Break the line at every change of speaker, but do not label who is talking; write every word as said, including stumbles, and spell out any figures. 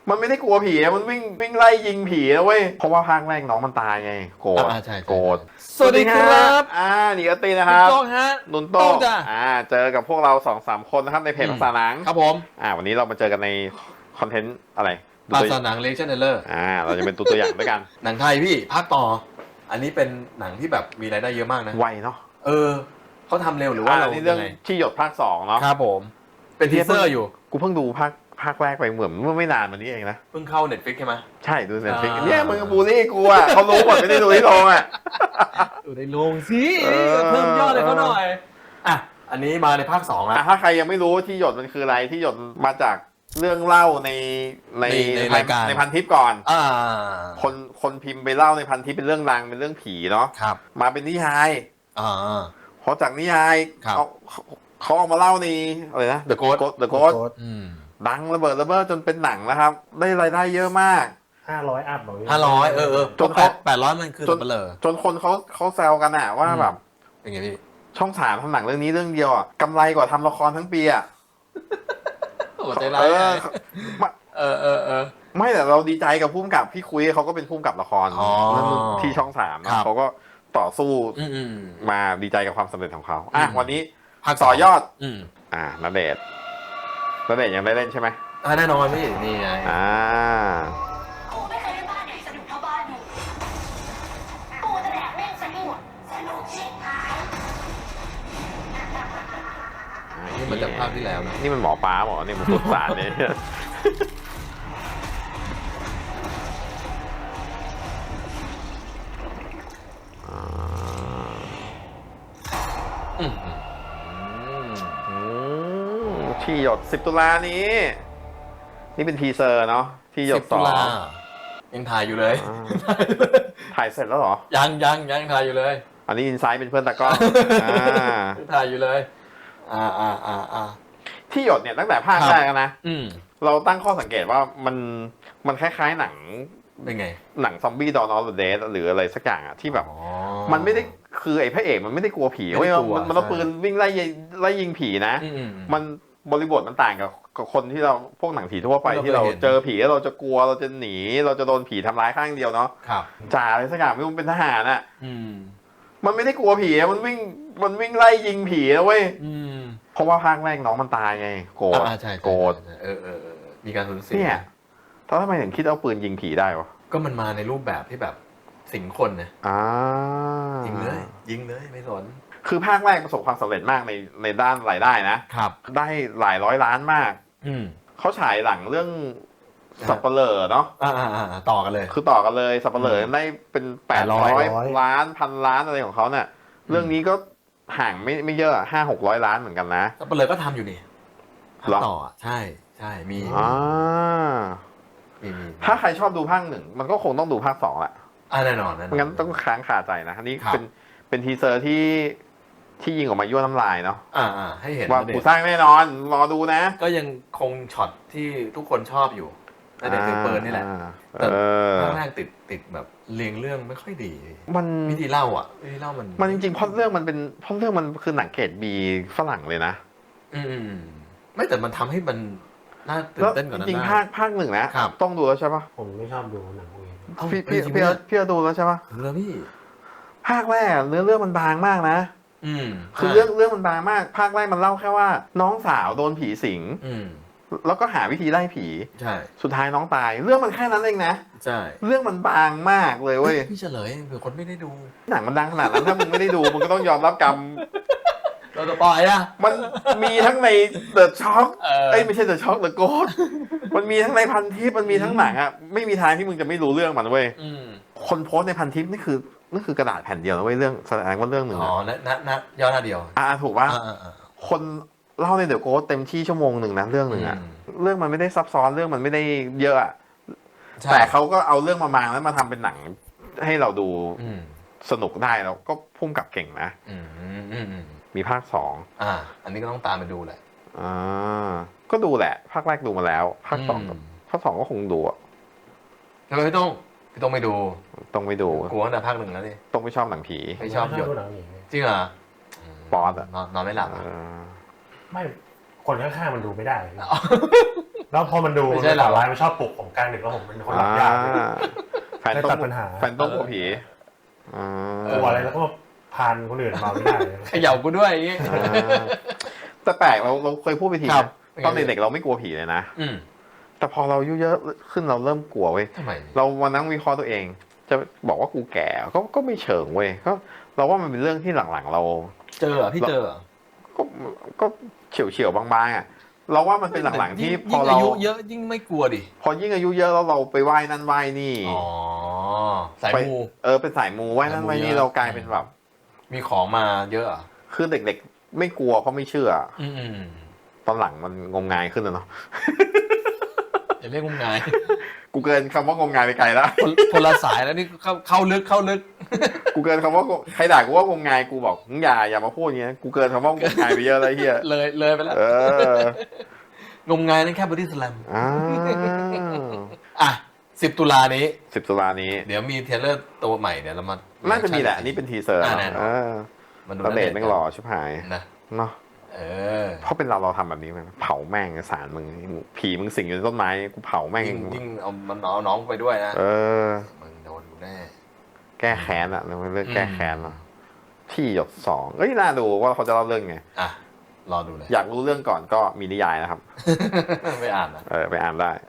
มันไม่ได้กลัวผีมันวิ่งวิ่งไล่ยิงผีนะเว้ยเพราะว่าภาคแรกน้องมันตายไงโกรธโกรธ
สวัสดีครับ
อ่าหนีอตีนะครับ
โต้งฮะ
นุนโต้งอ่าเจอกับพวกเราสองสามคนนะครับในเพจภาษาหนัง
ครับผม
อ่าวันนี้เรามาเจอกันในคอนเทนต์อะไร
ภาษาหนังเลเจนด์เดอร์
อ่าเราจะเป็นตัวตัวอย่างด้วยกัน
หนังไทยพี่ภาคต่ออันนี้เป็นหนังที่แบบมีรายได้เยอะมากนะ
ไวเนาะ
เออเขาทำเร็วหรือว่าเรา
เรื่องที่หยดภาคสองเนาะ
ครับผมเป็นทีเซอร์อยู่
กูเพิ่งดูภาคภาคแรกไปเหมือนเมื่อไม่นานมานี้เองนะ
เพิ่งเข้า Netflix ใช่ไหม
ใช่ดู Netflix เนี่ยมึงบูลลี่กูอ่ะเขารู้หมดไม่ได้ดูที่โรงอ่ะ
ดูในโรงสิเพิ่มยอดเลยเขาหน่อยอ่ะอันนี้มาในภาคสองแล้ว
ถ้าใครยังไม่รู้ที่หยดมันคืออะไรที่หยดมาจากเรื่องเล่าในใน
ในรายการ
ในพันทิปก่อน
อ่า
คนคนพิมพ์ไปเล่าในพันทิปเป็นเรื่องดังเป็นเรื่องผีเนาะ
ครับ
มาเป็นนิยาย
อ่า
พอจากนิยายเขาเขาเอามาเล่าในอะไรนะ
The Ghost
The Ghost ดังระเบิดระเบ้อจนเป็นหนังนะครับได้รายได้เยอะมาก
ห้าร้อยอัพหรอ
ห้าร้อยเออเออ
จนเขา
แปดร้อยมันคือ
จนจนคนเขาเขาแซวกันอะว่าแบบ
เป็นไงพี่
ช่องสามทำหนังเรื่องนี้เรื่องเดียวอะกำไรกว่าทำละครทั้งปีอะ
โอ้ใจร้ายเออเออเออ
ไม่แต่เราดีใจกับพุ่มกับพี่คุยเขาก็เป็นพุ่มกับละครที่ช่องสามนะเขาก็ต่อสู้มาดีใจกับความสำเร็จของเขาอ่ะวันนี้ต่อยอดอ่าณเดชน์ณเดชน์ยังได้เล่นใช่ไหม
อ่าแน่นอนพี่นี่ไง
อ่า
กูไม่เคยได้บ้านไหนสนุกเท่าบ้านมึงกูจะแดกแม่งสนุกสนุกชิบหาย
นี่มันจากภาพที่แล้วนะ
นี่มันหมอป้าหมอเนี่ยมันสุดสารเลยที่หยดสิบตุลานี้นี่เป็นทีเซอร์เนาะที่หยดสอง
ยังถ่ายอยู่เลย
ถ่ายเสร็จแล้วเหรอ
ยังยังยังถ่ายอยู่เลย
อันนี้อินไซด์เป็นเพื่อนตากล้อง
ถ่ายอยู่เลยอ่าอ่าอ่าอ่า
ที่หยดเนี่ยตั้งแต่ภาคแรกนะเราตั้งข้อสังเกตว่ามันมันคล้ายๆหนัง
เป็นไง
หนังซอมบี้ดอนออฟเดดหรืออะไรสักอย่างอะที่แบบมันไม่ได้คือไอ้พระเอกมันไม่ได้กลัวผีเว้ยมันมันเอาปืนวิ่งไล่ไล่ยิงผีนะมันบริบทมันต่างกับคนที่เราพวกหนังผีทั่วไปที่เราเจอผีแล้วเราจะกลัวเราจะหนีเราจะโดนผีทำร้ายข้างเดียวเนาะจ่าอะไรสักอย่างไม่รู้เป็นทหารอ่ะมันไม่ได้กลัวผีมันวิ่งมันวิ่งไล่ยิงผีนะเว้ยเพราะว่าภาคแรกน้องมันตายไงโกรธโกรธ
เออเออมีการสูญเสีย
เนี่ยถ้าทำไมถึงคิดเอาปืนยิงผีได้วะ
ก็มันมาในรูปแบบที่แบบสิงคนนะ
อ่า
ยิงเลยยิงเลยไม่สน
คือภาคแรกประสบความสำเร็จมากในในด้านรายได้นะครับได้หลายร้อยล้านมาก
อืม
เขาฉายหลังเรื่องสัปเหร่อเนาะ
อ่าอ่าต่อกันเลย
คือต่อกันเลยสัปเหร่อได้เป็นแปดร้อยล้านพันล้านอะไรของเขาเนี่ยเรื่องนี้ก็ห่างไม่ไม่เยอะห้าหกร้อยล้านเหมือนกันนะ
สัปเหร่อก็ทำอยู่นี่ต่อใช่ใช่มี
อ่าถ้าใครชอบดูภาคหนึ่งมันก็คงต้องดูภาคสองแหละ
อ่าแน่นอนแน่นอน
งั้นต้องค้างคาใจนะอันนี้เป็นเป็นทีเซอร์ที่ที่ยิงออกมายั่วน้ำลายเนาะ
อ่าอ่าให้เห็น
ว่ากูสร้างแน่นอนรอดูนะ
ก็ยังคงช็อตที่ทุกคนชอบอยู่แต่เด็กถือปืนนี่แหละแต่ภาคแรกติดติดแบบเรียงเรื่องไม่ค่อยดี
มัน
วิธีเล่าอ่ะวิธีเล่ามัน
มันจริงๆพล็อตเรื่องมันเป็นพล็อตเรื่องมันคือหนังเกรดบีฝรั่งเลยนะ
อืมไม่แต่มันทำให้มันน่าตื่นเต้นกว่านั้น
จริงภาคภาคหนึ่งนะต้องดูแล้วใช่ปะ
ผมไม่ชอบดูหนัง
พี่พี่พี่พี่ดูแล้วใช่ปะ
เรื่องพี่
ภาคแรกเนื้อเรื่องมันบางมากนะ
อืม
คือเรื่องเรื่องมันบางมากภาคแรกมันเล่าแค่ว่าน้องสาวโดนผีสิงแล้วก็หาวิธีไล่ผี
ใช่
สุดท้ายน้องตายเรื่องมันแค่นั้นเองนะ
ใช่
เรื่องมันบางมากเลยเว้ย
พี่เฉลยเผื่อคนไม่ได้ดู
หนังมันดังขนาดนั้นถ้ามึงไม่ได้ดูมึงก็ต้องยอมรับกรรม
เราจะปล่อยอะ
มันมีทั้งใน The Shock เอ้ยไม่ใช่ The Shock The Ghost มันมีทั้งในพันทิปมันมีทั้งหนังอะไม่มีทางที่มึงจะไม่รู้เรื่องมันเว้ยคนโพสในพันทิปนี่คือนี่คือกระดาษแผ่นเดียวนะเว้ยเรื่องแสดงว่าเรื่องหนึ่ง
อ๋อนะนะนะย่อหน้าเดียว
อ่าถูกป่ะคนเล่าใน The Ghost เต็มที่ชั่วโมงหนึ่งนะเรื่องหนึ่งอะเรื่องมันไม่ได้ซับซ้อนเรื่องมันไม่ได้เยอะอะแต่เขาก็เอาเรื่องมามางแล้วมาทำเป็นหนังให้เราดูสนุกได้แล้วก็พุ่งกับเก่งนะมีภาคสอง
อ่าอันนี้ก็ต้องตามไปดูแหละ
อ่าก็ดูแหละภาคแรกดูมาแล้วภาคสองภาคสองก็คงดูอ่ะ
ทำไมพี่ต้องพี่ต้องไม่ดู
ต้องไม่ดู
กลัวตั้งแต่ภาคหนึ่งแล้วดิ
ต้องไม่ชอบหนังผี
ไม่ชอบหยดจริงเหรอ
ปอดอ่ะ
นอนนอนไม่หลับ
ไม่คนข้างๆมันดูไม่ได้แล้วพอมันดู
ไม่ใช่
ใน
เหรอ
ต่อไลน์มันชอบปลุกผมกลางดึกแล้วผมเป็นคนหลับยากเลย
แฟนต้อง
ได้ตัดปัญหา
แฟนต้องกลัวผีอ่าก
ลัวอะไรแล้วก็มาพานคนอื่นมาไม่ได้เลย
เขย่ากูด้วยอย่างงี้
อ่าแต่แปลกเราเราเคยพูดไปที
ครับ
นะตอนเด็กๆเราไม่กลัวผีเลยนะ
อืม
แต่พอเราอายุเยอะขึ้นเราเริ่มกลัวเว้ย
ทำไม
เรามานั่งวิเคราะห์ตัวเอง จะบอกว่ากูแก่ก็ก็ไม่เชิงเว้ยก็เราว่ามันเป็นเรื่องที่หลังๆเรา
เจอเหรอพี่เจอเหรอ
ก็ก็เฉียวเฉียวๆบางๆอ่ะเราว่ามันเป็นหลังๆที่
ยิ่
พอ
ยิ่ง
เรา
อายุเยอะยิ่งไม่กลัวดิ
พอยิ่งอายุเยอะแล้วเราไปไหว้นั่นไหว้นี่
อ๋อสาย
ไป
มู
เออเป็นสายมูไหว้นั่นไหว้นี่
สายมูเยอะ
เรากลายเป็นแบบ
มีของมาเยอะเหรอ่ะ
คือเด็กๆไม่กลัวเพราะไม่เชื่อ
อืม
ตอนหลังมันงมงายขึ้นแล้วเนาะ
ๆอย่าเรียกงมงาย
กูเกินคำว่างมงายไปไกลแล้ว
คนคนละสายแล้วนี่เข้าเข้าลึกเข้าลึก
กูเกินคำว่าใครด่ากูว่างมงายกูบอกมึงอย่าอย่ามาพูดอย่างเงี้ยกูเกินคำว่างมงายไปเยอะเลยเฮีย
เลยเลยไปแล้ว
เออ
งมงายนั่นแค่บอดี้สแลม
อ่า
อ่ะสิบตุลานี้
สิบตุลานี้
เดี๋ยวมีเทรลเลอร์ตัวใหม่เดี๋ยวเรามา
น่าจะมีแหละอันนี่เป็นทีเซอร์
อ่าแน่นอน
เออ
มาดู
ตอนเด็กแม่งหล่อชิบหาย
นะ
เนาะ
เออ
เพราะเป็นเราเราทำแบบนี้มันเผาแม่งสารมึงผีมึงสิงอยู่ในต้นไม้กูเผาแม่ง
ยิ่งยิ่งเอามันเอาน้องไปด้วยนะ
เออ
มึงโดนกูแน่
แก้แค้นอะเราเรื่องแก้แค้นเนาะที่หยดสองเอ้ยน่าดูว่าเขาจะเล่าเรื่องไง
อ่ะ รอดูเลย
อยากรู้เรื่องก่อนก็มีนิยายนะครับ
ไม่อ่านนะ
เออไปอ่านได้